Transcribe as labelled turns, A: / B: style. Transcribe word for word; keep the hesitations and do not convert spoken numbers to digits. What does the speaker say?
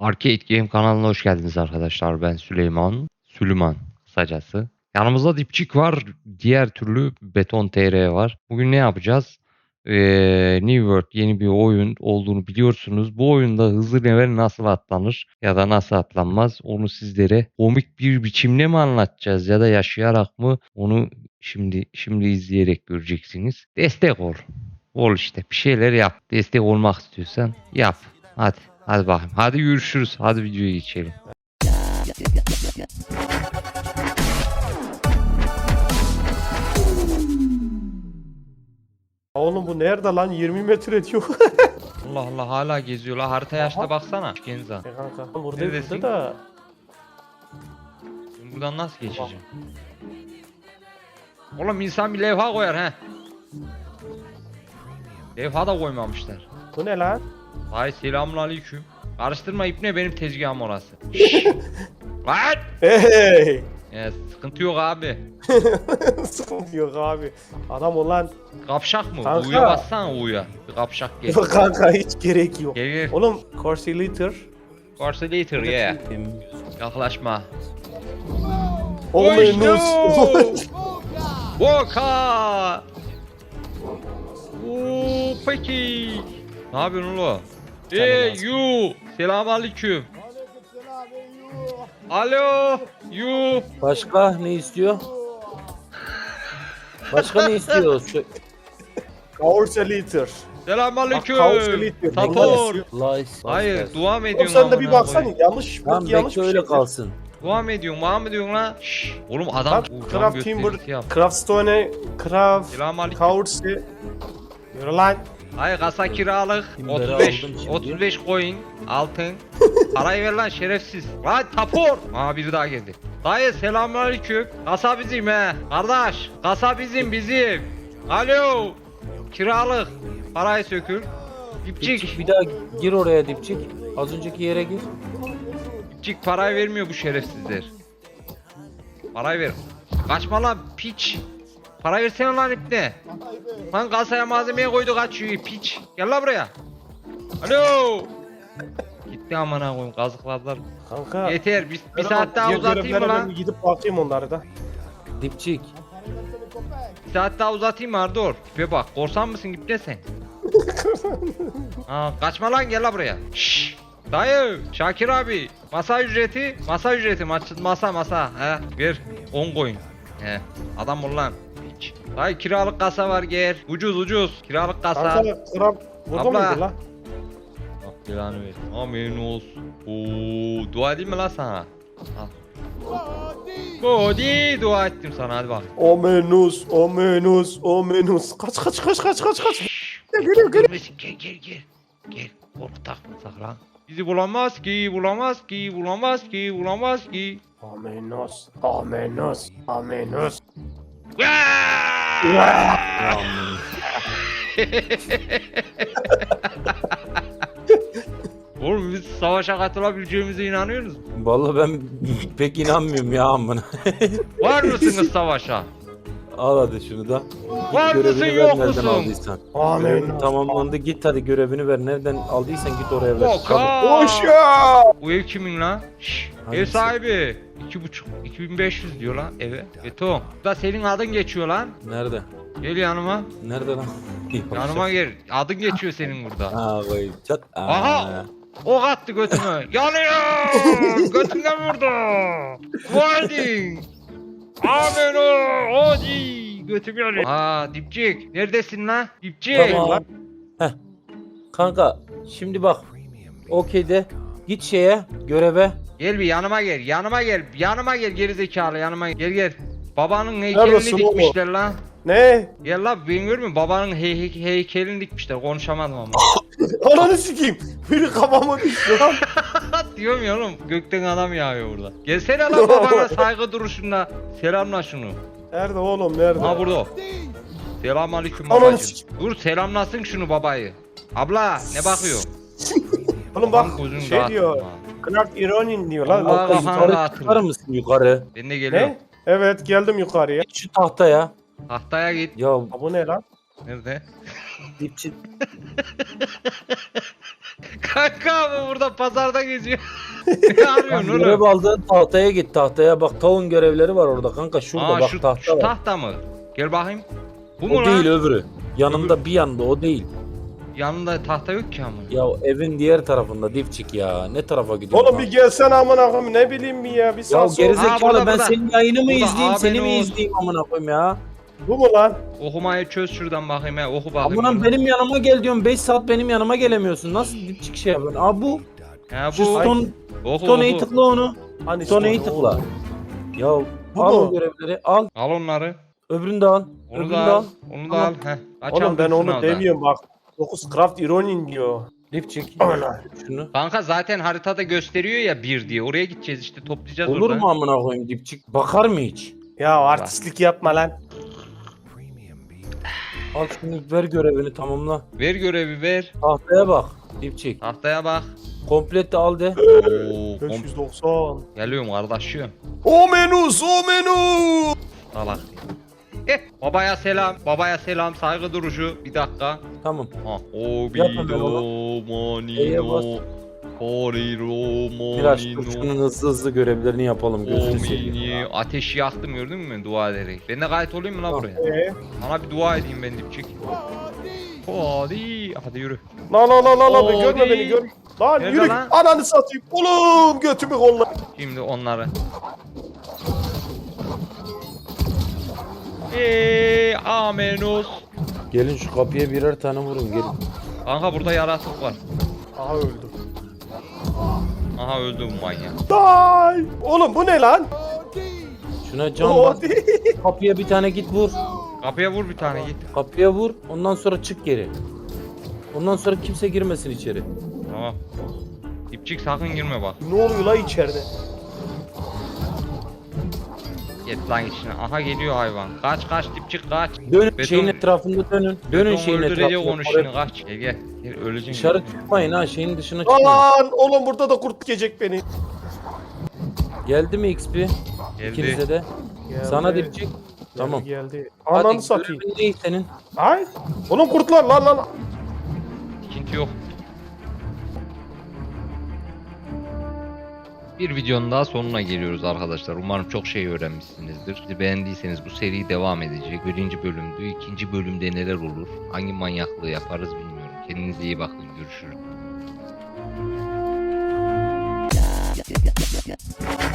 A: Arcade Game kanalına hoş geldiniz arkadaşlar. Ben Süleyman. Süleyman kısacası. Yanımızda dipçik var. Diğer türlü Beton T R var. Bugün ne yapacağız? Ee, New World yeni bir oyun olduğunu biliyorsunuz. Bu oyunda hızlı level nasıl atlanır ya da nasıl atlanmaz onu sizlere komik bir biçimde mi anlatacağız ya da yaşayarak mı onu şimdi şimdi izleyerek göreceksiniz. Destek ol. Ol işte bir şeyler yap. Destek olmak istiyorsan yap. Hadi. Hadi bakayım. Hadi görüşürüz. Hadi videoya geçelim.
B: Oğlum bu nerede lan? yirmi metre diyor.
A: Allah Allah hala geziyorlar. Harita yaşta
B: Aha.
A: baksana. Genza.
B: E kanka burada
A: Neredesin?
B: burada da
A: Ben buradan nasıl geçeceğim? Oğlum insan bir levha koyar he. Levha da koymamışlar.
B: bu ne lan?
A: Hay selamünaleyküm. Karıştırma ipne benim tezgahım orası. Lan!
B: Hey!
A: Ya, sıkıntı yok abi.
B: Sıkıntı yok abi. Adam olan
A: Kapşak mı?
B: Kanka.
A: U'ya bassana U'ya. Bir kapşak gel.
B: yok kanka hiç gerek yok.
A: Gel gel.
B: Oğlum Corsilator.
A: Corsilator yeah. Yaklaşma.
B: Omenus.
A: Boka. Oo peki. Ne yapıyorsun oğlum? Hey you. Selamünaleyküm. Alo. You.
C: Başka ne istiyor? Başka ne istiyor? Şu
B: Corsilator. Bak,
A: Selamünaleyküm.
B: Corsilator.
A: Tapor.
C: Lice.
A: Hayır, dua mı
B: Oğlum
A: ediyorsun?
B: sen de bir
A: amına
B: baksana
A: koyayım?
B: yanlış
C: Tamam
B: belki yanlış
C: bekle
B: bir
C: öyle
B: şey.
C: kalsın.
A: Dua mı ediyorsun? Dua mı ediyorsun lan? Şşş. Oğlum adam
B: Bak
A: bu
B: Craft
A: cam
B: Timber,
A: gösterisi yap.
B: Craftstone, Craft,
A: Selamünaleyküm.
B: Corsi. Yürü lan.
A: Hayır kasa kiralık
C: Timber'ı
A: otuz beş
C: aldım şimdi.
A: otuz beş coin altın. Parayı ver lan şerefsiz. Lan tapor. Aa biri daha geldi. Dayı selamünaleyküm. Kasa bizim he. Kardeş kasa bizim bizim. Alo. Kiralık. Parayı sökül.
C: Dipçik
A: Dipçik.
C: bir daha gir oraya dipçik. Az önceki yere gir.
A: Dipçik parayı vermiyor bu şerefsizler. Parayı ver. Kaçma lan piç. Para versene lan ipne. Lan kasaya malzemeye koydu kaçıyor piç. Gel lan buraya. Alo. Gitti amına koyayım kazıkladılar.
B: Kanka.
A: Yeter bir, bir
B: ben
A: saat daha
B: diğer
A: uzatayım mı
B: görevlere ben
A: lan?
B: bir gidip bakayım onları da.
C: Dipçik.
A: Bir saat daha uzatayım mı Ardor? Tipe bak korsan mısın ipne sen? Aa, kaçma lan gel lan buraya. Şşş. Dayı Şakir abi masa ücreti masa ücreti masa masa masa he ver on coin he adam ol lan hiç. Dayı kiralık kasa var gel ucuz ucuz kiralık kasa.
B: Kanka Craft burada
A: Abla.
B: mıydı lan?
A: Bak belanı ver. Amin olsun. Oo, dua edeyim mi lan sana? Al. Body dua ettim sana hadi bak.
B: Omenus, omenus, omenus. Kaç kaç kaç kaç kaç kaç. Geliyor geliyor.
A: Gel gel gel. Gel korktak saklan. Bizi bulamaz ki bulamaz ki bulamaz ki bulamaz ki.
B: Omenus, omenus, omenus.
A: Oğlum biz savaşa katılabileceğimize inanıyoruz.
C: Vallahi ben pek inanmıyorum ya amına.
A: Var mısınız savaşa?
C: Al hadi şunu da.
A: Var
C: Git
A: mısın,
C: görevini
A: yok
C: ver nereden
A: musun?
C: aldıysan. Görevin
B: Omenus.
C: tamamlandı git hadi görevini ver. Nereden aldıysan git oraya ver.
A: Boka!
B: Koşa.
A: Bu ev kimin lan? Şşş, ev
C: Hangisi?
A: sahibi. iki buçuk, iki bin beş yüz diyor lan eve. Beton. Da senin adın geçiyor lan.
C: Nerede?
A: Gel yanıma.
C: Nerede lan?
A: Yanıma gel. Adın geçiyor senin burada.
C: Ha vay çat. Aa.
A: Aha! Ok attı götüme. Yanıyor! Götünden vurdu. Vardin. Amen o. Hadi. Götüm yanıyor. Aa dipçik. Neredesin lan? Dipçik.
C: Tamam. Heh. Kanka şimdi bak. Okey de git şeye göreve.
A: Gel bir yanıma gel. Yanıma gel. Yanıma gel gerizekalı yanıma gel. Gel gel. Babanın heykelini
B: Neredesin oğlum?
A: dikmişler lan.
B: Ne?
A: Gel lan ben görmüyor musun? Babanın hey hey heykelini dikmişler. Konuşamadım ama.
B: Ananı sikeyim. Biri kafama düştü lan.
A: Diyorum ya oğlum. Gökten adam yağıyor burada. Gelsene lan babana saygı duruşunda. Selamla şunu.
B: Nerede oğlum nerede?
A: Ha burada o. Selamünaleyküm
B: Ananı
A: babacığım.
B: sikeyim.
A: Dur selamlasın şunu babayı. Abla ne bakıyor?
B: Oğlum
A: Baban
B: bak
A: gözünü
B: şey
A: dağıttın
B: diyor.
A: ha.
B: Craft Ironin diyor lan.
A: Allah
B: Altta
A: kafana
B: yukarı-
A: dağıtın.
C: Çıkar mısın yukarı?
A: Ben de geliyorum.
B: Ne? Evet geldim yukarıya.
C: Git şu tahtaya.
A: Tahtaya git.
C: Ya
B: Ha bu ne lan?
A: Nerede?
C: Dipçik.
A: Kanka abi burada pazarda geziyor. Ne arıyorsun
C: Görev
A: oğlum?
C: aldığın tahtaya git tahtaya bak tavuğun görevleri var orada kanka şurada
A: Aa,
C: bak
A: şu,
C: tahta
A: şu
C: var.
A: tahta mı? Gel bakayım. Bu mu
C: O
A: lan?
C: değil öbürü. Yanında bir yanda o değil.
A: Yanında tahta yok ki ama.
C: Ya evin diğer tarafında dipçik ya. Ne tarafa gidiyorsun?
B: Oğlum bir gelsene amına koyayım ne bileyim mi ya bir
C: Ya
B: sağ sol.
C: gerizekalı
A: Ha, burada,
C: ben
A: burada.
C: senin yayını mı
A: Burada,
C: izleyeyim
A: abi
C: seni mi
A: ne
C: izleyeyim amına koyayım ya.
B: Bu mu lan?
A: Okumayı çöz şuradan bakayım ya. Oku bakayım.
C: Amına
A: onu.
C: benim yanıma gel diyorum beş saat benim yanıma gelemiyorsun. Nasıl dipçik şey yapıyorsun? Aa bu.
A: Ha,
C: Şu
A: bu.
C: stone,
A: Oku,
C: stone'yi
A: oku.
C: tıkla onu.
B: Hani
C: Stone'yi
B: işte
C: tıkla.
B: oğlum.
C: Ya
B: Bu
C: al
B: mu?
C: o görevleri al.
A: Al onları.
C: Öbürünü de al.
A: Onu
C: Öbürünü
A: da
C: de
A: al.
C: al.
A: Onu da
C: Tamam.
A: al. Heh. Aç
B: Oğlum
A: al
B: ben
A: dursun
B: onu
A: orada.
B: demiyorum bak. dokuz Craft Ironin diyor.
C: Dipçik.
B: Ana.
C: Şunu.
A: Kanka zaten haritada gösteriyor ya bir diye. Oraya gideceğiz işte toplayacağız
C: Olur
A: orada.
C: mu amına koyayım dipçik? Bakar mı hiç?
B: Ya artistlik yapma lan.
C: Al şunu ver görevini tamamla.
A: Ver görevi ver.
C: Tahtaya bak. Dipçik.
A: Tahtaya bak.
C: Komplette al de.
A: Oo, kom-
B: beş yüz doksan.
A: Geliyorum kardeşim.
B: O menüs o menü.
A: Salak. Eh, babaya selam. Babaya selam. Saygı duruşu. Bir dakika.
C: Tamam.
A: Ha, o
C: Yap hemen
A: bido
C: E'ye bas.
A: monino. Koriro
C: Biraz dur
A: monino.
C: şunun hızlı hızlı görevlerini yapalım gözünü seveyim.
A: Omini.
C: ya.
A: Ateşi yaktım gördün mü dua ederek. Ben de gayet olayım mı lan
C: Tamam.
A: buraya?
B: Ee?
A: Sana bir dua edeyim ben dipçik. Hadi. Hadi yürü.
B: La la la la la
A: Oo,
B: görme beni
A: değil.
B: gör. Lan
A: Nerede
B: yürü
A: lan?
B: ananı satayım. Oğlum götümü kolla.
A: Şimdi onları. Eee amenos.
C: Gelin şu kapıya birer tane vurun gelin.
A: Kanka burada yaratık var.
B: Aha öldüm.
A: Aha öldü bu manyak.
B: Day. Oğlum bu ne lan?
C: Şuna can
B: O
C: bas.
B: değil.
C: Kapıya bir tane git vur.
A: Kapıya vur bir tane git.
C: Kapıya vur. Ondan sonra çık geri. Ondan sonra kimse girmesin içeri.
A: Tamam. Dipçik sakın girme bak.
B: Ne oluyor la içeride?
A: Git lan içine. Aha geliyor hayvan. Kaç kaç dipçik kaç.
C: Dönün
A: Beton-
C: şeyin etrafında dönün. Dönün
A: Beton
C: şeyin
A: öldürecek
C: etrafında.
A: onu
C: Oraya-
A: şimdi kaç. Gel gel. Gel öleceksin.
C: Dışarı çıkmayın ha şeyin dışına çıkmayın.
B: Lan oğlum burada da kurt yiyecek beni.
C: Geldi mi X P?
A: Geldi.
C: İkinize de.
B: Geldi.
C: Sana dipçik. Tamam.
B: Geldi.
C: Hadi
B: Ananı satayım.
C: görevin ne senin?
B: Ay. Oğlum kurtlar lan lan.
A: İkinci yok. Bir videonun daha sonuna geliyoruz arkadaşlar. Umarım çok şey öğrenmişsinizdir. Sizi beğendiyseniz bu seri devam edecek. Birinci bölümdü. İkinci bölümde neler olur? Hangi manyaklığı yaparız bilmiyorum. Kendinize iyi bakın. Görüşürüz.